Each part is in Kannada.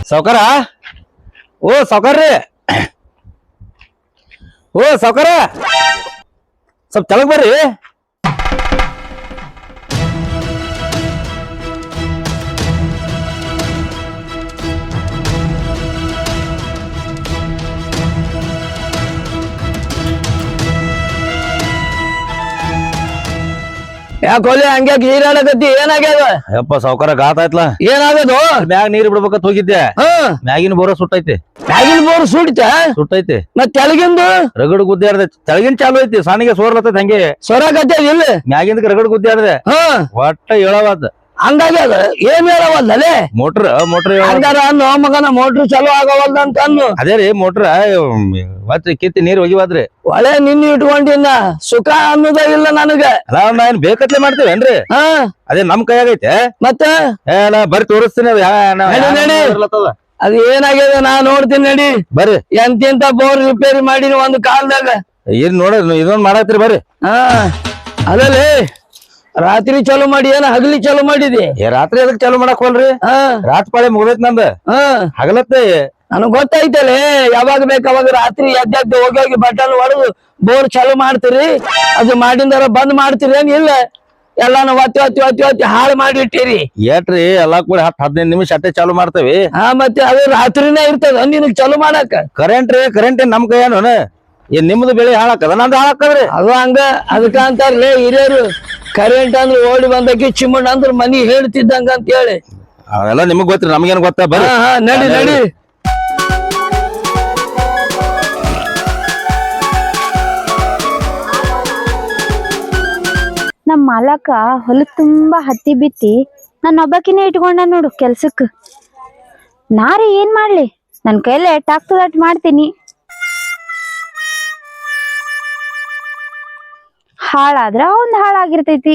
ಸಾವ್ಕಾರ ಓ ಸಾವ್ಕಾರ್ರಿ ಓ ಸಾವ್ಕಾರ ಸ್ವಲ್ಪ ತೆಳಗ್ ಬರ್ರಿ ಯಾಕೊಲೆ ಹಂಗೆ ಗೀರಾಡಕತ್ತಿ ಏನಾಗ್ಯದ ಯಪ್ಪ ಸಾವ್ಕಾರ ಗಾತ ಆಯ್ತಲ್ಲ ಏನಾಗದು ಮ್ಯಾಗ ನೀರ್ ಬಿಡ್ಬೇಕಂತ ಹೋಗಿದ್ದೆ ಮ್ಯಾಗಿನ ಬೋರ ಸುಟ್ಟೈತಿ ಮ್ಯಾಗಿನ ಬೋರ್ ಸುಟ್ಟೈತಿ ಮತ್ ತೆಳಗಿಂದು ರಗಡ್ ಗುದ್ದಾಡ್ದೆ ತೆಳಗಿನ ಚಾಲು ಐತಿ ಸಣ್ಣಗೆ ಸೋರ್ಲತ್ತೈತಿ ಹಂಗೆ ಸೊರಾಕತ್ತದ ಇಲ್ಲ ಮ್ಯಾಗಿಂದ ರಗಡ್ ಗುದ್ದಾಡ್ದೆ ಒಟ್ಟ ಹೇಳವಾದ ಹಂಗಾಗ್ಯದ ಏನ್ ಹೇಳವಲ್ಲೇ ಮೋಟ್ರ್ ಹಂಗಾರ ಅನ್ನೋ ಮಗನ ಮೋಟ್ರ್ ಚಲೋ ಆಗವಲ್ದ ಅಂತ ಅನ್ನು ಅದೇ ರೀ ಮೋಟ್ರ ಒತ್ತ ಕಿತ್ತಿ ನೀರ್ ಹೋಗಿವಾದ್ರಿ ಒಳ್ಳೆ ನಿನ್ನ ಇಟ್ಕೊಂಡಿನ ಸುಖ ಅನ್ನೋದ ಇಲ್ಲ ನನಗ ಅಲ್ಲ ನಾನ್ ಬೇಕತ್ಲೆ ಮಾಡ್ತೇವೇನ್ರಿ ಅದೇ ನಮ್ ಕೈಯಾಗೈತೆ ಮತ್ತೆ ಬರ್ರಿ ತೋರಿಸ್ತೀನಿ ಅದ್ ಏನಾಗ್ಯದ ನಾ ನೋಡ್ತೀನಿ ನಡಿ ಬರ್ರಿ ಎಂತೆಂತ ಬೋರ್ ರಿಪೇರಿ ಮಾಡಿನ ಒಂದು ಕಾಲದಾಗ ಏನ್ ನೋಡ ಇದೊಂದ್ ಮಾಡತ್ರಿ ಬರ್ರಿ ಅದಲ್ಲಿ ರಾತ್ರಿ ಚಾಲು ಮಾಡಿ ಏನ ಹಗಲಿ ಚಾಲು ಮಾಡಿದಿ ರಾತ್ರಿ ಅದಕ್ ಚಾಲು ಮಾಡಕ್ ಹೋಲ್ರಿ ರಾತ್ರಿ ಪಾಳೆ ಮುಗ್ದೈತ್ ನಂದ ಹಗಲತ್ತೆ ನನಗ್ ಗೊತ್ತೈತಲ್ಲ ಯಾವಾಗ ಬೇಕು ಅವಾಗ ರಾತ್ರಿ ಎದ್ದು ಹೋಗಿ ಬಟನ್ ಹೊಡೆದು ಬೋರ್ ಚಾಲು ಮಾಡ್ತೀರಿ ಅದು ಮಾಡಿಂದಾರ ಬಂದ್ ಮಾಡ್ತೀರಿ ಏನ್ ಇಲ್ಲ ಎಲ್ಲಾನು ಒತ್ತಿ ಹಾಳು ಮಾಡಿ ಇಟ್ಟಿರಿ ಏಟ್ರಿ ಎಲ್ಲಾ ಕೂಡ 10-15 ನಿಮಿಷ ಅಟ್ಟೆ ಚಾಲು ಮಾಡ್ತೇವಿ ಮತ್ತೆ ಅದು ರಾತ್ರಿನೇ ಇರ್ತದ ನಿನಗ್ ಚಾಲು ಮಾಡಾಕ ಕರೆಂಟ್ ನಮ್ ಕೈಯನು ಏನ್ ನಿಮ್ದು ಬೆಳೆ ಹಾಳಾಕದ ನಂದು ಹಾಳಾಕದ್ರಿ ಅದು ಹಂಗ ಅದಕ್ಕ ಅಂತಾರ್ಲೇ ಹಿರಿಯರು ಕರೆಂಟ್ ಅಂದ್ರೆ ಓಡಿ ಬಂದಕ್ಕೆ ಚಿಮ್ಮಣ್ಣ ಅಂದ್ರ ಮನಿ ಹೇಳ್ತಿದ್ದಂಗ ಅಂತ ಹೇಳಿ ಅವೆಲ್ಲ ನಿಮಗ್ ಗೊತ್ತ್ರಿ ನಮ್ಗೇನ್ ಗೊತ್ತ ಬರ್ರಿ ನಡಿ ನಡಿ ನಮ್ ಮಾಲಕ ಹೊಲ ತುಂಬಾ ಹತ್ತಿ ಬಿತ್ತಿ ನನ್ನ ಒಬ್ಬಕಿನೇ ಇಟ್ಕೊಂಡ ನೋಡು ಕೆಲ್ಸಕ್ ನಾರೇ ಏನ್ ಮಾಡ್ಲಿ ನನ್ ಕೈಲೇ ಟಾಕ್ ಮಾಡ್ತೀನಿ ಹಾಳಾದ್ರ ಅವಂದ್ ಹಾಳಾಗಿರ್ತೈತಿ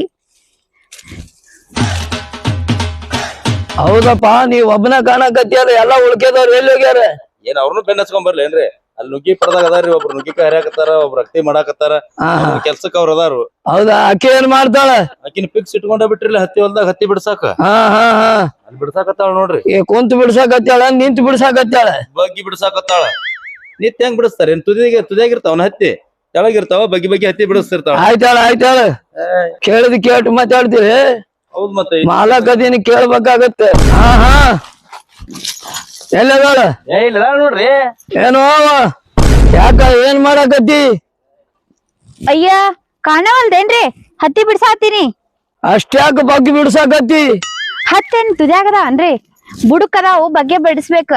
ಹೌದಪ್ಪ ನೀವ್ ಒಬ್ಬನ ಕಾಣಕತ್ಯಾರ ಎಲ್ಲಾ ಉಳ್ಕೆದವ್ರು ಎಲ್ಲಿ ಹೋಗ್ಯಾರ ಏನ್ ಅವ್ರನ್ನು ಬೆನ್ನ ಹಚ್ಕೊಂಡ್ ಬರ್ಲಿ ಏನ್ರಿ ಅಲ್ಲಿ ನುಗ್ಗಿ ಪಡ್ದಾಗ ಅದಾರ್ರಿ ಒಬ್ರು ನುಗ್ಗಿಕಾಯಿ ಹರಿಯಾಕತ್ತಾರ ಒಬ್ರು ರಕ್ತಿ ಮಾಡಾಕತ್ತಾರ ಕೆಲ್ಸಕ್ಕ ಅವ್ರ ಅದಾರು ಹೌದಾ ಆಕೆ ಏನ್ ಮಾಡ್ತಾಳ ಆಕಿನ ಪಿಕ್ಸ್ ಇಟ್ಕೊಂಡ ಬಿಟ್ರಿಲ್ಲ ಹತ್ತಿ ಹೊಲ್ದಾಗ ಹತ್ತಿ ಬಿಡ್ಸಾಕ ಅಲ್ಲಿ ಬಿಡ್ಸಾಕತ್ತಾಳ ನೋಡ್ರಿ ಕುಂತ್ ಬಿಡ್ಸಾಕತ್ಯಾಳ ನಿಂತ್ ಬಿಡ್ಸಾಕತ್ಯಾಳ ಬಗ್ಗಿ ಬಿಡ್ಸಾಕತ್ತಾಳ ನಿತ್ಯ ಹೆಂಗ್ ಬಿಡಿಸ್ತಾರ ಏನ್ ತುದಿಯಾಗಿರ್ತಾವನ ಹತ್ತಿ ತೆಳಗಿರ್ತಾವ ಬಗ್ಗಿ ಹತ್ತಿ ಬಿಡಿಸ್ತಿರ್ತಾವ ಆಯ್ತಾಳ ಕೇಳಿದ್ ಕೇಟ್ ಮಾತಾಡ್ತೀರಿ ಹೌದ್ ಮತ್ತೆ ಮಾಲಕದೀನಿ ಕೇಳ್ಬೇಕಾಗತ್ತೆ ಎಲ್ಲದಾಳ ನೋಡ್ರಿ ಏನೋ ಯಾಕ ಏನ್ ಮಾಡಾಕತ್ತಿ ಅಯ್ಯ ಕಾಣವಲ್ದೇನ್ರಿ ಹತ್ತಿ ಬಿಡ್ಸಾತೀನಿ ಅಷ್ಟ್ಯಾಕ ಬಗ್ಗಿ ಬಿಡ್ಸಾಕತ್ತಿ ಹತ್ತೇನ್ ತುದ್ಯಾಗದ ಅನ್ರಿ ಬುಡಕದಾವು ಬಗ್ಗೆ ಬಿಡಿಸ್ಬೇಕ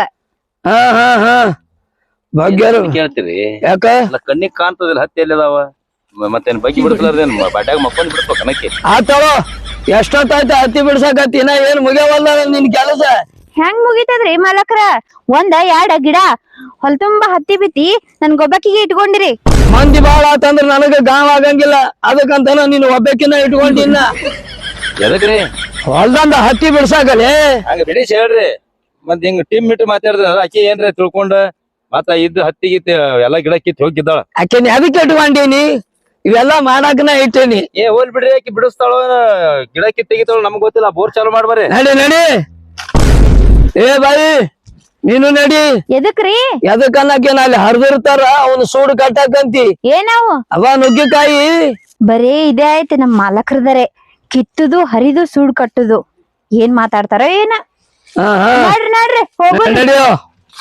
ಭಾಗ್ಯರು ಕೇಳ್ತೀರಿ ಯಾಕ ಕಣ್ಣಿಗೆ ಕಾಣ್ತದಿಲ್ಲ ಹತ್ತಿ ಎಲ್ಲಿ ಅದಾವ ಮತ್ತೇನ್ ಬಗ್ಗಿ ಬಿಡಿಸ್ಲಾರ್ದೇನ್ ಬಾಟ್ಯಾಗ ಮಕ್ಕೊಂಡ್ ಬಿಡ್ಸ್ಬೇಕ ಅನ್ನಕ್ಕೆ ಆತಳೋ ಎಷ್ಟೊತ್ತಾಯ್ತ ಹತ್ತಿ ಬಿಡ್ಸಾಕತ್ತಿ ನಾ ಏನ್ ಮುಗಿಯವಲ್ಲ ನಿನ್ ಕೆಲಸ ಹೆಂಗ್ ಮುಗಿತದ್ರಿ ಮಾಲಕ್ರ 1-2 ಗಿಡ ಹೊಲ ತುಂಬಾ ಹತ್ತಿ ಬಿತ್ತಿ ನನ್ ಗೊಬ್ಬಕ್ಕಿಗೆ ಇಟ್ಕೊಂಡಿರಿ ಮಂದಿ ಬಾಳ ಆತಂದ್ರ ನನಗ ಗಾಂವ್ ಆಗಂಗಿಲ್ಲ ಅದಕ್ಕಂತಾನ ನೀನ್ ಒಬ್ಬಕಿನ ಇಟ್ಕೊಂಡಿನ ಎದಕ್ರಿ ಹೊಲ್ದಂದ ಹತ್ತಿ ಬಿಡ್ಸಾಕಲೇ ಹಂಗ ಬಿಡಿಸಿ ಹೇಳ್ರಿ ಮತ್ ಹಿಂಗ ಟೀಮ್ ಮೀಟ್ ಮಾತಾಡಿದ್ರ ಆಕಿ ಏನ್ರಿ ತಿಳ್ಕೊಂಡ ಮತ್ತ ಇದ್ದು ಹತ್ತಿ ಗಿತ್ತಿ ಎಲ್ಲಾ ಗಿಡ ಕಿತ್ ಹೋಗಿದ್ದಾಳ ಆಕೆನ್ ಅದಕ್ಕೆ ಇಟ್ಕೊಂಡೀನಿ ಇವೆಲ್ಲಾ ಮಾಡಾಕನ ಇಟ್ಟೀನಿ ಹೋಲ್ ಬಿಡ್ರಿ ಆಕಿ ಬಿಡಿಸ್ತಾಳ ಗಿಡ ಕಿತ್ ತೆಗಿತಾಳ ನಮ್ಗ್ ಗೊತ್ತಿಲ್ಲ ಬೋರ್ ಚಾಲು ಮಾಡ್ಬಾರಿ ನಡಿ ಏ ಬಾಯಿ ನೀನು ನಡಿ ಎದಕ್ರಿ ಎದಕ್ಕನ್ನಕೇನ ಅಲ್ಲಿ ಹರಿದಿರ್ತಾರ ಅವನು ಸೂಡು ಕಟ್ಟಾಕಂತಿ ಏನಾವು ಅವ ನುಗ್ಗಿಕಾಯಿ ಬರೇ ಇದೇ ಆಯ್ತು ನಮ್ ಮಾಲಕ್ರದರೆ ಕಿತ್ತುದು ಹರಿದು ಸೂಡ್ ಕಟ್ಟುದು ಏನ್ ಮಾತಾಡ್ತಾರ ಏನ ನೋಡ್ರಿ ಹೋಗೋಣ ನಡಿಯೋ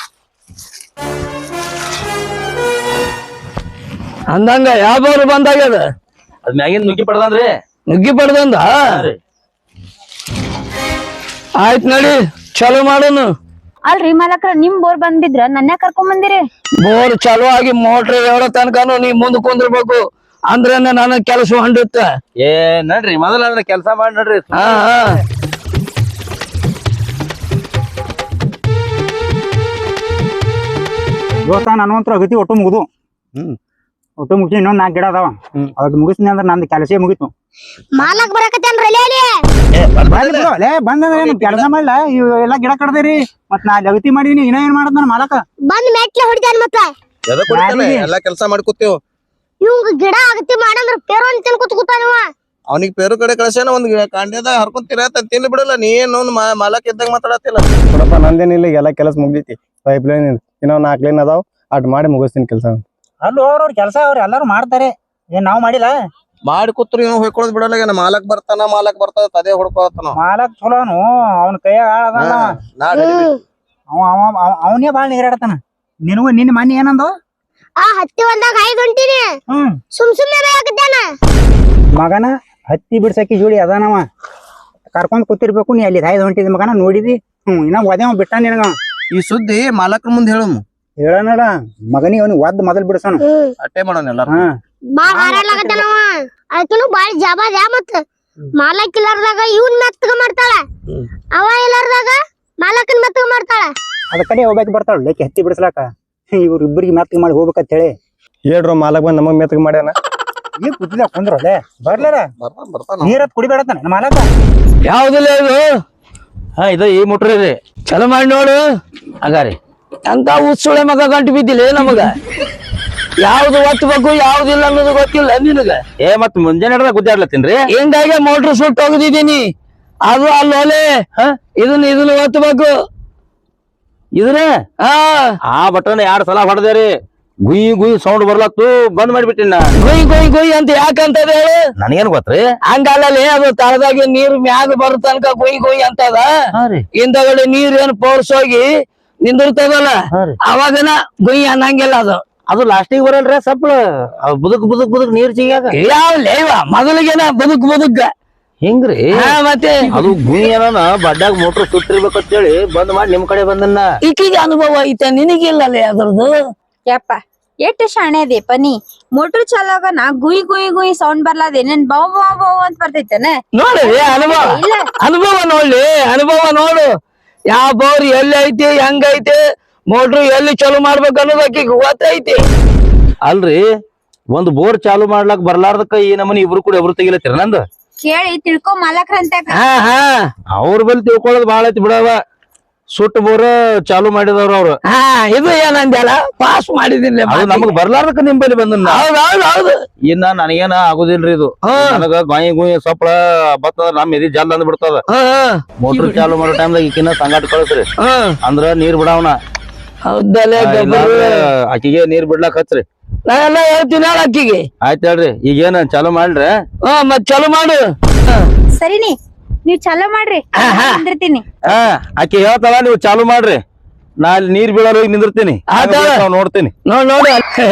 ಅಂದಂಗ ಯಾವ್ದವ್ರು ಬಂದಾಗ್ಯದ ಅದ್ ಮ್ಯಾಗಿಂದ ನುಗ್ಗಿ ಪಡ್ದಂದ್ರಿ ನುಗ್ಗಿ ಪಡ್ದಂದ ಆಯ್ತ್ ನಡಿ ಚಲೋ ಮಾಡೋನು ಅಲ್ರಿ ಮಾಲಕ್ರ ನಿಮ್ ಬೋರ್ ಬಂದಿದ್ರ ನನ್ನ ಕರ್ಕೊಂಡ್ ಬಂದಿರಿ ಬೋರ್ ಚಲೋ ಆಗಿ ಮೋಟ್ರ್ ಹೇಳೋ ತನಕನು ನೀ ಮುಂದ್ ಕುಂದ್ರಬೇಕು ಅಂದ್ರೆ ನನ್ನ ಕೆಲಸ ಹೊಂಡುತ್ತ ನಡ್ರಿ ಮೊದಲ ಕೆಲ್ಸ ಮಾಡಿ ನಡ್ರಿ ದೋಸ್ತ ನನವಂತ್ರ ಅಗತಿ ಒಟ್ಟು ಮುಗಿದು ಒಟ್ಟು ಮುಗಿಸಿ ಇನ್ನೊಂದ್ 4 ಗಿಡ ಅದಾವ ಅದ್ ಮುಗಿಸ್ನಿ ಅಂದ್ರ ನಂದು ಕೆಲಸ ಮುಗಿತು ಮಾಲಕ್ ಬರಕತ್ತೇನ್ರಿ ಬಂದ್ರೆ ಕೆಲಸ ಮಾಡ್ಲ ಇವೆಲ್ಲಾ ಗಿಡ ಕಡ್ದೇರಿ ಮತ್ ನಾ ಅಗತಿ ಮಾಡೀನಿ ಇನ್ನ ಏನ್ ಮಾಡದ್ ನನ್ ಮಾಲಕ ಬಂದ್ ಮೆಟ್ಲೆ ಹೊಡಿತಾನ ಮತ್ತ ಎಲ್ಲಾ ಕೆಲಸ ಮಾಡ್ಕೊತೇವ್ ಇವಂಗ ಗಿಡ ಅಗತಿ ಮಾಡಂದ್ರ ಪೇರು ಅಂತ ತಿನ್ಕೊತ ಕೂತಾನವ ಅವನಿಗೆ ಪೇರು ಕಡೆ ಕಳ್ಸ್ಯಾನ ಒಂದ್ ಕಾಂಡ್ಯದಾಗ ಹರ್ಕೊಂತೀರ ತಿನ್ಲಿ ಬಿಡಲ್ಲ ನೀ ಏನು ಮಾಲಕ್ ಇದ್ದಾಗ ಮಾತಾಡತ್ತಿಲ್ಲ. ನೋಡಪ್ಪ ನಂದೇನಿಲ್ಲ ಎಲ್ಲ ಕೆಲಸ ಮುಗ್ದೈತಿ. ಪೈಪ್ ಲೈನ್ ಇನ್ನೊಂದ್ 4 ಲೈನ್ ಅದಾವ್ ಅಟ್ ಮಾಡಿ ಮುಗಿಸ್ತೀನಿ ಕೆಲಸ. ಅಲ್ಲಿ ಅವ್ರ ಕೆಲಸ ಅವ್ರು ಎಲ್ಲಾರು ಮಾಡ್ತಾರೆ, ಏನ್ ನಾವ್ ಮಾಡಿಲ್ಲ. ಮಾಡಿ ಕೂತ್ರು ಇವ್ ಹೊಯ್ಕೊಳದ್ ಬಿಡಲ್ಲ. ಮಾಲಕ್ ಬರ್ತಾನ ತದೇ ಹುಡ್ಕೋತಾನ. ಮಾಲಕ್ ಚಲೋನು, ಅವನ ಕೈಯಾಗ ಆಳದಲ್ಲ. ಅವನೇ ಬಾಳ್ ನೀರಾಡತಾನ. ನಿನಗೂ ನಿನ್ನ ಮನೆ ಏನಂದ ಆ ಹತ್ತಿ ಹೊಲ್ದಾಗ 5 ಹೊಂಟಿನಿ. ಸುಮ್ನೆ ಬೇಕದ್ದಾನ ಮಗನ ಹತ್ತಿ ಬಿಡ್ಸಕ್ಕೆ ಜೋಡಿ ಅದಾನವ. ಕರ್ಕೊಂಡ್ ಕೂತಿರ್ಬೇಕು ನೀ ಅಲ್ಲಿ 5 ಹೊಂಟಿದ ಮಗನ ನೋಡಿದಿ. ಇನ್ನ ಒದೇವ ಬಿಟ್ಟ ನಿನಗ. ಈ ಸುದ್ದಿ ಮಾಲಕ್ರ ಮುಂದೆ ಹೇಳು. ಹೇಳನಲ್ಲ ಮಗನಿಗೆ ಅವ್ನಿಗೆ ಒದ್ ಮೊದಲ್ ಬಿಡ್ಸೋಣ. ಅಟ್ಟೆ ಮಾಡೋಣ ಎಲ್ಲಾರು. ಬಾಳ್ ಹಾರಾಡ್ಲಾಕತ್ತಾನವ. ಅದಕ್ಕೂ ಬಾಳ್ ಜಬಾದ ಮತ್ತ ಮಾಲಕ್ ಇಲ್ಲಾರ್ದಾಗ ಇವ್ನ್ ಮೆತ್ತಗ ಮಾಡ್ತಾಳ, ಅವ ಇಲ್ಲಾರ್ದಾಗ ಮಾಲಕನ್ ಮೆತ್ತಗ ಮಾಡ್ತಾಳ. ಅದ ಕಡೆ ಹೋಗ್ಬೇಕು ಬರ್ತಾಳ ಲೇಕಿ ಹತ್ತಿ ಬಿಡಿಸ್ಲಾಕ. ಇವ್ರ ಇಬ್ಬರಿಗೆ ಮೆತ್ತಗ ಮಾಡಿ ಹೋಗ್ಬೇಕಂತ ಹೇಳಿ ಹೇಳ್ರು ಮಾಲಕ್ ಬಂದ್ ನಮಗ್ ಮೆತ್ತಗ್ ಮಾಡ್ಯಾನ. ಈಗ ಕುದ್ಲ ಕುಂದ್ರಲ್ಲೇ ಬರ್ಲಾರ ಬರ್ತಾನ. ನೀರತ್ ಕುಡಿಬೇಡತಾನ ನಮ್ಮ ಮಾಲಕ. ಯಾವ್ದಿಲ್ಲ ಇದು. ಹಾ ಇದು ಈ ಮುಟ್ರಿ ರೀ. ಚಲೋ ಮಾಡಿ ನೋಡು. ಹಂಗಾರಿ ಅಂತ ಉತ್ಸುಳೆ ಮಗ ಗಂಟು ಬಿದ್ದಿಲ್ಲ ನಮಗ. ಯಾವ್ದು ಒತ್ತಬೇಕು ಯಾವ್ದಿಲ್ಲ ಅನ್ನೋದು ಗೊತ್ತಿಲ್ಲ ನಿನಗ. ಮತ್ ಮುಂಜಾನೆ ಗುದ್ದಾಡ್ಲತ್ತೀನ್ರಿ. ಹಿಂಗಾಗಿ ಮೋಟ್ರ್ ಸುಟ್ಟು ಹೋಗದಿದ್ದೀನಿ. ಅದು ಅಲ್ಲೋಲೆ ಇದನ್ನ ಒತ್ತಬೇಕು. ಇದ್ರೆ ಹಾ ಆ ಬಟನ್ 2 ಸಲ ಹೊಡೆದೇರಿ. ಗುಯ್ ಸೌಂಡ್ ಬರ್ಲತ್ತು ಬಂದ್ ಮಾಡಿಬಿಟ್ಟಿನ. ಗುಯ್ ಅಂತ ಯಾಕಂತದ ಹೇಳು. ನನಗೇನ್ ಗೊತ್ತ್ರಿ. ಹಂಗಲ್ಲೇ ಅದು ತಳದಾಗಿ ನೀರ್ ಮ್ಯಾಗ ಬರೋ ತನಕ ಗುಯ್ ಅಂತದ. ಹಿಂದಗಡೆ ನೀರ್ ಏನ್ ಪೋರ್ಸ್ ಹೋಗಿ ನಿಂದಿರ್ತದಲ್ಲ ಅವಾಗನ ಗುಯ್ ಅನ್ನಂಗಿಲ್ಲ ಅದು. ಅದು ಲಾಸ್ಟಿಗೆ ಬರಲ್ರಿ ಸಪ್ಲ ಬುದಕ್ ನೀರ್ ಸಿಗಾಗ. ಯಾವ್ಲೇ ಮೊದಲಿಗೆನ ಬದುಕ್ ಹಿಂಗ್ರಿ. ಮತ್ತೆ ಅದು ಗುಯ್ ಏನ ಬಡ್ಡಾಗ ಮೋಟ್ರ್ ಸುಟ್ಟಿರ್ಬೇಕಂತ ಹೇಳಿ ಬಂದ್ ಮಾಡಿ ನಿಮ್ ಕಡೆ ಬಂದನ್ನ. ಈಕಿಗೆ ಅನುಭವ ಐತೆ ನಿನಗಿಲ್ಲಲೇ ಅದ್ರದ್ದು. ಯಪ್ಪ ಎಷ್ಟ್ ಶಾಣೆ ಅದೇಪ ನೀ. ಮೋಟ್ರ್ ಚಾಲಾಗನ ಗುಯ್ ಸೌಂಡ್ ಬರ್ಲಾದೇನೇನ್ ಬಾವ್ ಅಂತ ಬರ್ತೈತೇನ. ನೋಡಿ ಅನುಭವ ನೋಡ್ಲಿ. ಅನುಭವ ನೋಡು. ಯಾವ ಬೋರ್ ಎಲ್ಲಿ ಐತಿ ಹೆಂಗೈತಿ ಮೋಟ್ರು ಎಲ್ಲಿ ಚಲೋ ಮಾಡ್ಬೇಕು ಅನ್ನೋದಕ್ಕೆ ಗೊತ್ತೈತಿ. ಅಲ್ರಿ ಒಂದ್ ಬೋರ್ ಚಾಲು ಮಾಡ್ಲಾಕ್ ಬರ್ಲಾರ್ದಕ್ಕ ಈ ನಮ್ಮನಿ ಇಬ್ರು ಕೂಡ ಎಬ್ರು ತೆಗಿಲತ್ತೀರ ನಂದು. ಕೇಳಿ ತಿಳ್ಕೊ ಮಾಲಕ್ರ ಅಂತ. ಅವ್ರ ಬಲ್ಲಿ ತಿಳ್ಕೊಳ್ಳೋದು ಬಾಳ ಐತಿ ಬಿಡವ. ಸುಟ್ಟು ಬೋರ್ ಚಾಲು ಮಾಡಿದವ್ರ ಅವ್ರು. ಇದು ಏನಂದ್ಯಾಲ ಪಾಸ್ ಮಾಡಿದಿಲ್ಲ. ಅದು ನಮಗ್ ಬರ್ಲಾರ್ದಕ್ಕ ನಿಮ್ ಬಲ್ಲಿ ಬಂದನ್ನ. ಹೌದು ಇನ್ನ ನನಗೇನ ಆಗುದಿಲ್ರಿ ಇದು. ನನಗ ಗುಯ್ ಸೊಪ್ಪಳ ಬರ್ತದ ನಮ್ ಎದಿ ಜಲ್ ಅಂದ್ ಬಿಡ್ತದ. ಮೋಟರ್ ಚಾಲು ಮಾಡೋ ಟೈಮ್ದಾಗ ಈಕಿನ ಸಂಗಾಟ ಕಳ್ಸ್ರಿ ಅಂದ್ರ ನೀರ್ ಬಿಡವನ. ಹೌದಲ್ಲೇ ಆಕಿಗೆ ನೀರ್ ಬಿಡ್ಲಾಕ್ ಹಚ್ರಿ. ನಾ ಎಲ್ಲ ಹೇಳ್ತೀನಿ ಅಕ್ಕಿಗೆ. ಆಯ್ತ್ ಹೇಳ್ರಿ. ಈಗೇನ ಚಾಲು ಮಾಡ್ರಿ. ಮತ್ ಚಲೋ ಮಾಡು. ಸರಿನಿ ನೀವ್ ಚಲೋ ಮಾಡ್ರಿ ನಿಂದಿರ್ತೀನಿ. ಆಕಿ ಹೇಳ್ತಾಳ ನೀವು ಚಾಲು ಮಾಡ್ರಿ. ನಾ ಅಲ್ಲಿ ನೀರ್ ಬೀಳೋರ್ ಹೋಗಿ ನಿಂದಿರ್ತೀನಿ. ನೋಡ್ತೀನಿ. ನೋಡು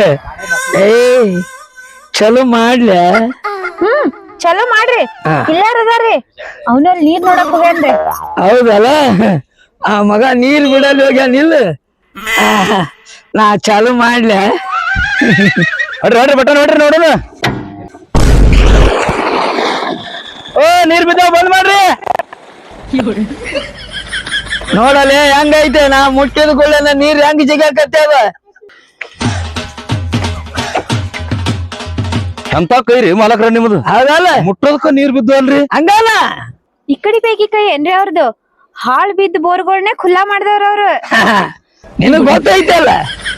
ಚಲೋ ಮಾಡ್ಲ. ಚಲೋ ಮಾಡ್ರಿ. ಇಲ್ಲಾರದಾರ್ರಿ ಅವನಲ್ಲಿ ನೀರ್ ನೋಡಕ್ ಹೋಗ್ಯಾನ್ರಿ. ಹೌದಲ್ಲ ಆ ಮಗ ನೀರ್ ಬಿಡಲ್ ಹೋಗ್ಯಾನಿಲ್ಲ. ನಾ ಚಾಲು ಮಾಡ್ಲ. ನೋಡ್ರಿ ಬಟ ನೋಡ್ರಿ ನೋಡೋಣ. ನೀರ್ ಬಿದ್ದಾವ ಬಂದ್ ಮಾಡ್ರಿ. ನೋಡಲೆ ಹೆಂಗೈತೆ ನಾ ಮುಟ್ಟಿದ ಕೂಡಲೇ ನೀರ್ ಹೆಂಗ್ ಜಿಗಾಕತ್ತೇವ. ಎಂತ ಕೈರಿ ಮಾಲಕ್ರ ನಿಮ್ದು. ಹೌದಲ್ಲ ಮುಟ್ಟೋದಕ್ಕ ನೀರ್ ಬಿದ್ದು ಅಲ್ರಿ. ಹಂಗಲ್ಲ ಈ ಕಡೆ ಬೇಕಿ ಕೈ ಏನ್ರಿ ಅವ್ರದ್ದು. ಹಾಳ್ ಬಿದ್ದ ಬೋರ್ಗಳನ್ನೇ ಖುಲ್ಲಾ ಮಾಡ್ದವ್ರ ಅವ್ರು. ನಿನಗ್ ಗೊತ್ತೈತಲ್ಲ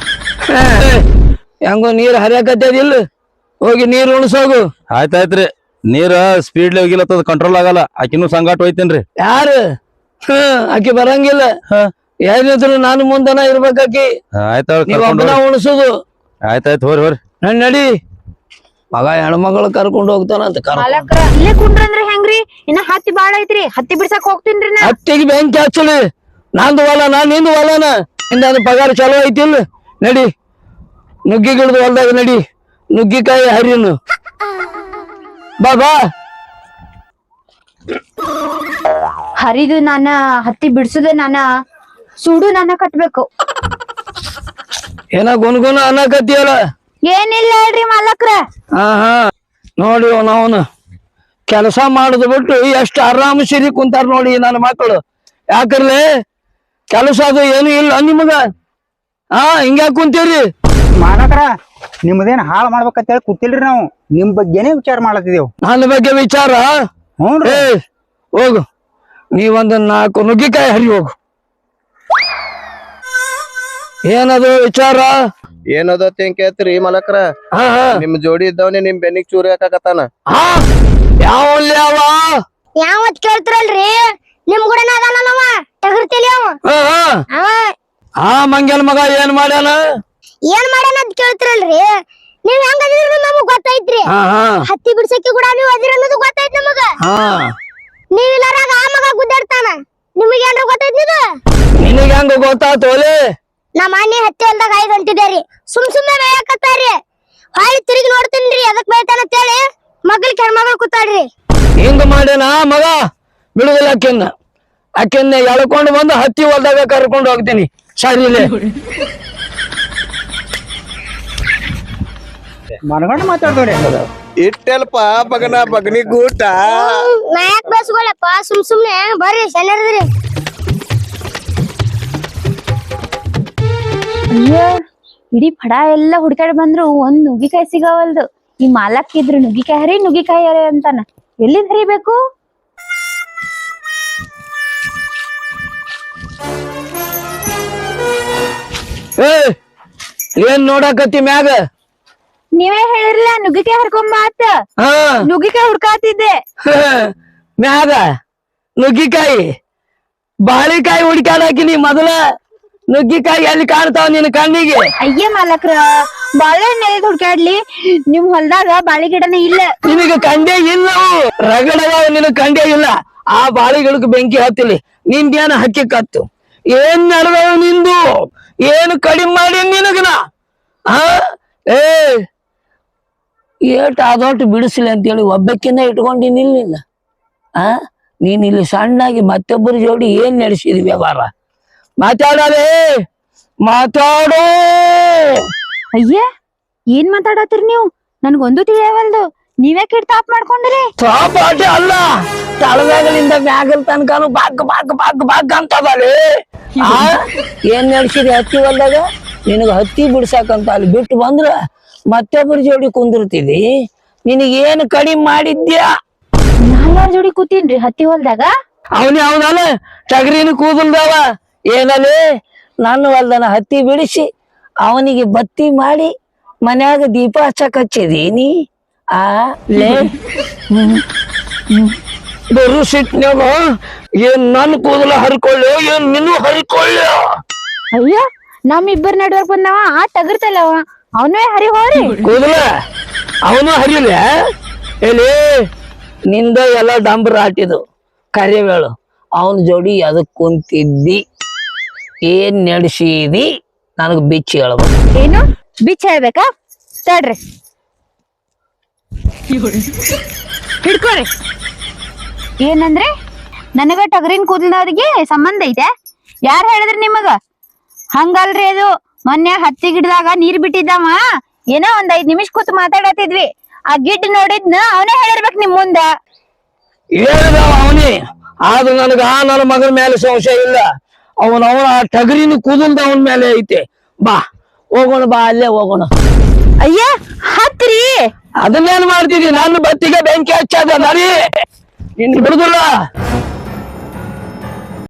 ಹೆಂಗೋ ನೀರ್ ಹರಿಯಾಕತ್ತದಿಲ್ಲ. ಹೋಗಿ ನೀರ್ ಉಣಸೋಗು. ಆಯ್ತಾಯ್ತ್ರಿ. ನೀರ ಸ್ಪೀಡ್ ಹೋಗಿಲತ್ತದ ಕಂಟ್ರೋಲ್ ಆಗಲ್ಲ. ಆಕಿನೂ ಸಂಗಾಟ ಹೋಯ್ತೇನ್ರಿ. ಯಾರು ಆಕಿ ಬರಂಗಿಲ್ಲ. ಏನಿದ್ರು ನಾನು ಮುಂದನ ಇರ್ಬೇಕಾಕಿ. ನೀವ್ ಒಬ್ಬನ ಉಣಸುದು. ಆಯ್ತಾಯ್ತು ಹೋರಿ ನಡಿ ಮಗ ಹೆಣ್ಮಗಳು ಕರ್ಕೊಂಡ್ ಹೋಗ್ತಾನಂತ. ಮಾಲಕ್ರ ಇಲ್ಲೇ ಕುಂಡ್ರಂದ್ರ ಹೆಂಗ್ರಿ. ಇನ್ನ ಹತ್ತಿ ಬಾಳ ಐತ್ರಿ. ಹತ್ತಿ ಬಿಡ್ಸಕ್ ಹೋಗ್ತೀನ್ರಿ ನಾ. ಹತ್ತಿಗೆ ಬೆಂಕಿ ಹಚ್ಚಲಿ. ನಂದು ಹೊಲನ ನಿಂದು ಹೊಲನ. ಇಂದ ಪಗಾರ ಚಲೋ ಐತಿಲ್ಲ. ನಡಿ ನುಗ್ಗಿ ಗಿಡದ ಹೊಲ್ದಾಗ ನಡಿ. ನುಗ್ಗಿಕಾಯಿ ಹರಿನು ಬಾ. ಹರಿದು ನಾನ ಹತ್ತಿ ಬಿಡ್ಸುದು ನಾನ ಸುಡು ನಾನ ಕಟ್ಬೇಕು. ಏನ ಗುನ್ಗುನ ಅನ್ನಕತ್ತಿಯಲ್ಲ. ಏನಿಲ್ಲ ಹೇಳ್ರಿ ಮಾಲಕ್ರ. ನೋಡಿ ಅವನು ಕೆಲಸ ಮಾಡುದು ಬಿಟ್ಟು ಎಷ್ಟು ಆರಾಮ ಸಿರಿ ಕುಂತಾರ ನೋಡಿ ನನ್ನ ಮಕ್ಕಳು. ಯಾಕರ್ಲೆ ಕೆಲಸ ಅದು ಏನು ಇಲ್ಲ ನಿಮಗ. ಹಿಂಗ್ಯಾಕ್ ಕುಂತೀರಿ ಮಾಲಕರ? ನಿಮ್ದೇನ್ ಹಾಳು ಮಾಡ್ಬೇಕಂತ ಹೇಳಿ ಕೂತಿಲ್ರಿ ನಾವು. ನಿಮ್ ಬಗ್ಗೆನೇ ವಿಚಾರ ಮಾಡತ್ತಿದೇವು. ನನ್ನ ಬಗ್ಗೆ ವಿಚಾರ? ಹೋಗು ನೀವೊಂದು 4 ನುಗ್ಗಿಕಾಯಿ ಹರಿ ಹೋಗು. ಏನದು ವಿಚಾರ? ಏನದತ್ ಹೆಂಗ್ ಕೇಳ್ತೀರಿ ಮಲಕ್ರ ಹಾ ಹಾ ನಿಮ್ ಜೋಡಿ ಇದ್ದವನೇ ನಿಮ್ ಬೆನ್ನಿಗ್ ಚೂರಿ ಹಾಕಾಕತ್ತಾನ. ಹಾ ಯಾವಲ್ಲಿ ಅವ ಯಾವತ್ ಕೇಳ್ತಿರಲ್ರಿ ನಿಮ್ ಕೂಡ ಅದಾನವ ಟಗರ್ತಿಲಿ ಅವ ಹಾ ಹಾ ಅವ ಆ ಮಂಗ್ಯನ ಮಗ ಏನ್ ಮಾಡ್ಯಾನ ಏನ್ ಮಾಡ್ಯಾನ ಅಂತ ಕೇಳ್ತಿರಲ್ರಿ ನೀವ್ ಹೆಂಗ್ ಅದಿರ ನಮಗ್ ಗೊತ್ತೈತ್ರಿ. ಹಾ ಹಾ ಹತ್ತಿ ಬಿಡ್ಸಕ್ಕೆ ಕೂಡ ನೀವ್ ಅದಿರ ಅನ್ನೋದು ಗೊತ್ತೈತ್ ನಮಗ. ಹಾ ನೀವ್ ಇಲ್ಲಾರಾಗ ಆ ಮಗ ಗುದ್ದಾಡ್ತಾನ ನಿಮಗ್ ಏನ್ರ ಗೊತ್ತೈತ್ ಇದು ನಿನಗೆ ಹೆಂಗ ಗೊತ್ತಾತೋಲೆ ನಮ್ಮ ಮನೆ ಹತ್ತಿ ಹೊಲ್ದಾಗ 5 ಗಂಟಿದೇರಿ ಸುಮ್ನೆ ಬೇಯಕತ್ತಾರಿ ಹೊಳ್ಳಿ ತಿರುಗಿ ನೋಡ್ತೀನ್ರಿ ಅದಕ್ ಬೈತಾನ ಅಂತೇಳಿ ಮಗ್ಳ ಕೆರ್ಮಗಳು ಕೂತಾಡ್ರಿ. ಹಿಂಗ ಮಾಡ್ಯಾನ ಮಗ ಬಿಡುದಿಲ್ಲ ಅಕ್ಕೆನ್ನ ಎಳ್ಕೊಂಡು ಬಂದು ಹತ್ತಿ ಹೊಲ್ದಾಗ ಕರ್ಕೊಂಡು ಹೋಗ್ತೀನಿ ಸರಿಲೆ ಮನಗಂಡ ಮಾತಾಡ್ದವ್ರಿ ಇಟ್ಟೆಲ್ಪ ಬಗನ ಬಗನಿ ಗೂಟ. ನಾಯಕ್ ಬಸ್ಗಳಪ್ಪ ಸುಮ್ನೆ ಬರ್ರಿ ಸಣ್ಣರ್ದ್ರಿ. ಅಯ್ಯೋ ಇಡೀ ಫಡ ಎಲ್ಲ ಹುಡ್ಕಾಡ್ ಬಂದ್ರು ಒಂದ್ ನುಗ್ಗಿಕಾಯಿ ಸಿಗವಲ್ದು. ಈ ಮಾಲಕ್ ಇದ್ರು ನುಗ್ಗಿಕಾಯಿ ಹರಿ ಅಂತಾನ. ಎಲ್ಲಿಂದ ಹರಿಬೇಕು? ಏನ್ ನೋಡಕತ್ತಿ ಮ್ಯಾಗ ನೀವೇ ಹೇಳಿರ್ಲ ನುಗ್ಗಿಕಾಯಿ ಹರ್ಕೊಂಬ ಆತ. ಹಾ ನುಗ್ಗಿಕಾಯಿ ಹುಡ್ಕಾತಿದ್ದೆ. ಮ್ಯಾಗ ನುಗ್ಗಿಕಾಯಿ ಬಾಳಿಕಾಯಿ ಹುಡ್ಕಾಡಾಕಿನಿ ಮೊದಲ ನುಗ್ಗಿಕಾಯಿ ಎಲ್ಲಿ ಕಾಣ್ತಾವ ನಿನ್ ಕಣ್ಣಿಗೆ? ಅಯ್ಯ ಮಾಲಕ್ರ ಬಾಳೆಹಣ್ಣೆ ಹುಡ್ಕಾಡ್ಲಿ ನಿಮ್ ಹೊಲ್ದಾಗ ಬಾಳಿ ಗಿಡನೇ ಇಲ್ಲ. ನಿನಗೆ ಕಂಡೇ ಇಲ್ಲ ರಗಡವ ನಿನಗ್ ಕಂಡೇ ಇಲ್ಲ. ಆ ಬಾಳಿಗಳಿಗೆ ಬೆಂಕಿ ಹತ್ತಿಲಿ ನಿಂದೇನ ಹಕ್ಕಿ ಕತ್ತು ಏನ್ ನಡೆದವ ನಿಂದು ಏನು ಕಡಿಮೆ ಮಾಡಿ ನಿನಗನ ಆ ಏಟ್ ಅದೊಟ್ಟು ಬಿಡಿಸ್ಲಿ ಅಂತೇಳಿ ಒಬ್ಬಕ್ಕಿನ್ನ ಇಟ್ಕೊಂಡಿನಿಲ್ಲ. ಆ ನೀನ್ ಇಲ್ಲಿ ಸಣ್ಣಾಗಿ ಮತ್ತೊಬ್ಬರ ಜೋಡಿ ಏನ್ ನಡೆಸಿದ್ವಿ ವ್ಯವಹಾರ? ಮಾತಾಡಲೇ ಮಾತಾಡೋ. ಅಯ್ಯ ಏನ್ ಮಾತಾಡತ್ತೀರಿ ನೀವು? ನನ್ಗೊಂದು ತಿಳಿಯವಲ್ದು. ನೀವ್ಯಾಕೆ ತಾಪ್ ಮಾಡ್ಕೊಂಡ್ರಿ? ತಾಪಾಟಿ ಅಲ್ಲ ತಳವೇಗಲಿಂದ ಮ್ಯಾಗಲ್ ತನಕನು ಬಾಗ್ ಬಾಗ್ ಬಾಗ್ ಬಾಗ್ ಅಂತದಲಿ. ಏನ್ ನಡ್ಸಿರಿ ಹತ್ತಿ ಹೊಲ್ದಾಗ? ನಿನಗ ಹತ್ತಿ ಬಿಡ್ಸಾಕಂತ ಅಲ್ಲಿ ಬಿಟ್ಟು ಬಂದ್ರ ಮತ್ತೊಬ್ಬರ ಜೋಡಿ ಕುಂದಿರ್ತಿದಿ. ನಿನಗೇನು ಕಡಿಮೆ ಮಾಡಿದ್ಯಾ? ನಾನ್ ಯಾರ ಜೋಡಿ ಕೂತೀನ್ರಿ ಹತ್ತಿ ಹೊಲ್ದಾಗ? ಅವನಲ್ಲ ಟಗರಿನ ಕೂದಲ್ದವ ಏನಲ್ಲಿ ನನ್ನ ಹೊಲ್ದನ ಹತ್ತಿ ಬಿಡಿಸಿ ಅವನಿಗೆ ಬತ್ತಿ ಮಾಡಿ ಮನ್ಯಾಗ ದೀಪ ಹಚ್ಚಕ್ ಹಚ್ಚಿದೀನಿ. ಆ ಲೇ ಬರು ಸಿಟ್ನ್ಯಾಗ ಏನ್ ನನ್ ಕೂದಲ ಹರ್ಕೊಳ್ಳೋ ಏನ್ ನಿನ್ನೂ ಹರಿಕೊಳ್ಳೋ? ಅಯ್ಯ ನಮ್ಮಿಬ್ಬರ ನಡುವರ್ಕ್ ಬಂದವ ಆ ಟಗರ್ತಲ್ಲವ ಅವನೇ ಹರಿ ಹೋರಿ ಕೂದಲ ಅವನು ಹರಿಲ್ಲ. ಎಲ್ಲಿ ನಿಂದ ಎಲ್ಲ ಡಂಬರ್ ಆಟಿದು ಕರಿವೇಳು ಅವನ ಜೋಡಿ ಅದಕ್ ಕುಂತಿದ್ದಿ ಏನ್ ನಡೆಸಿದಿ ನನಗ್ ಬಿಚ್ಚಿ ಹೇಳ್ಬೇಕು. ಏನು ಬಿಚ್ಚ ಹೇಳ್ಬೇಕಾ? ತಡ್ರಿ ಹಿಡ್ಕೊರಿ. ಏನಂದ್ರೆ ನನಗ ಟಗರಿನ ಕೂದಲದವ್ರಿಗೆ ಸಂಬಂಧ ಐತೆ? ಯಾರು ಹೇಳಿದ್ರಿ ನಿಮಗ? ಹಂಗಲ್ರಿ ಅದು ಮೊನ್ನೆ ಹತ್ತಿ ಗಿಡದಾಗ ನೀರ್ ಬಿಟ್ಟಿದ್ದವ ಏನೋ ಒಂದ್ 5 ನಿಮಿಷ ಕೂತ್ ಮಾತಾಡತಿದ್ವಿ. ಆ ಗಿಡ್ ನೋಡಿದ್ನ ಅವನೇ ಹೇಳಿರ್ಬೇಕು ನಿಮ್ ಮುಂದ. ಹೇಳಿದವ ಅವನೇ ಆದ್ರೂ ನನಗ ನನ್ನ ಮಗನ ಮೇಲೆ ಸಂಶಯ ಇಲ್ಲ. ಅವನ ಆ ಟಗರಿನ ಕೂದಲ್ದ ಅವನ ಮೇಲೆ ಐತೆ. ಬಾ ಹೋಗೋಣ, ಬಾ ಅಲ್ಲೇ ಹೋಗೋಣ. ಅಯ್ಯ ಹತ್ರಿ ಅದನ್ನೇನ್ ಮಾಡ್ತಿದಿ? ನನ್ನ ಬತ್ತಿಗೆ ಬೆಂಕಿ ಹಚ್ಚದ ನರಿ ಇನ್ ಬಿಡುದಿಲ್ಲ.